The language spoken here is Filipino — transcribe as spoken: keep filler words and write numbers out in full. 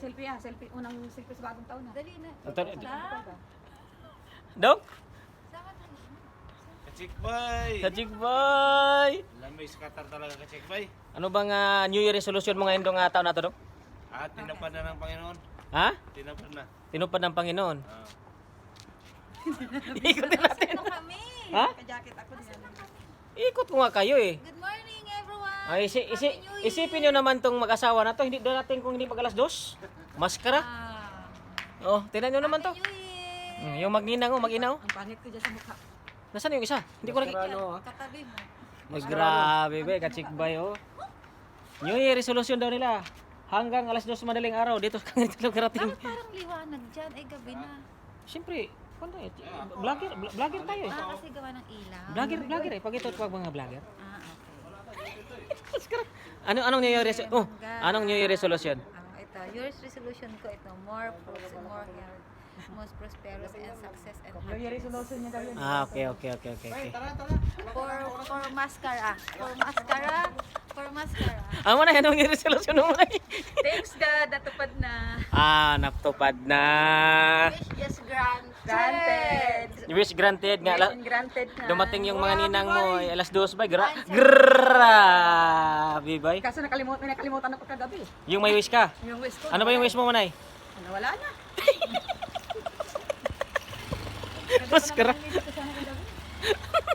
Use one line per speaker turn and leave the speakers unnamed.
Selfie ah, selfie. Unang selfie sa bagong taon na.
Dali na.
Ito-
Sa?
Dong?
Saan ka na?
Kachikbay!
Sa Chikboy!
Lamay skatar talaga kachikbay.
Ano bang ah, New Year resolution mo ngayon dong ah, taon na to, Dong?
Ah, tinapad na ng Panginoon.
Ha?
Tinapad na.
Tinupad ng Panginoon.
Ah.
Ikutin natin.
Ano kami?
Ha?
Ka-jacket ako din.
Ikot ko nga kayo eh.
Good morning everyone.
Ay, isi, isi,
Happy New Year.
isipin nyo naman tong mag-asawa na to. Hindi doon natin kung hindi pag alas dos. Maskara.
Ah.
Oh, tinan nyo naman to.
Happy New Year.
Hmm, yung mag-ninang oh, mag-inaw.
Ang pangit ko dyan sa mukha.
Nasaan yung isa? Hindi ko nakikita.
Katabi mo.
Mas grabe be, kachikbay oh. New Year resolution daw nila. Hanggang alas dos madaling araw dito kang dito karating.
Bakit parang liwanag dyan? Ay gabi na.
Siyempre, ano eh, vlogger, vlogger tayo eh.
Ah, kasi gawa ng ilaw.
Vlogger, vlogger eh. Pag ito pag mga vlogger.
Ah, okay.
Ano anong New Year resolution? Oh, anong New Year resolution?
Ah, ito, yours resolution ko ito, more fruits, more health, most prosperous and success and
New Year
happiness.
resolution niya daw yun.
Ah, okay, okay, okay, okay. okay.
For for mascara, for mascara, for mascara.
Ano mo na anong New Year resolution mo na?
Thanks God, natupad na.
Ah, natupad na.
Wish just granted.
Granted.
Wish granted nga. La-
Granted na.
Dumating yung mga ninang mo ay alas dos ba? Gra grabe bay.
Kaso nakalimutan, may nakalimutan ako kagabi.
Yung may wish ka.
Yung wish ko.
Ano ba yung wish mo, Manay?
Ano, wala na.
Maskara.
Hindi ko sana kagabi.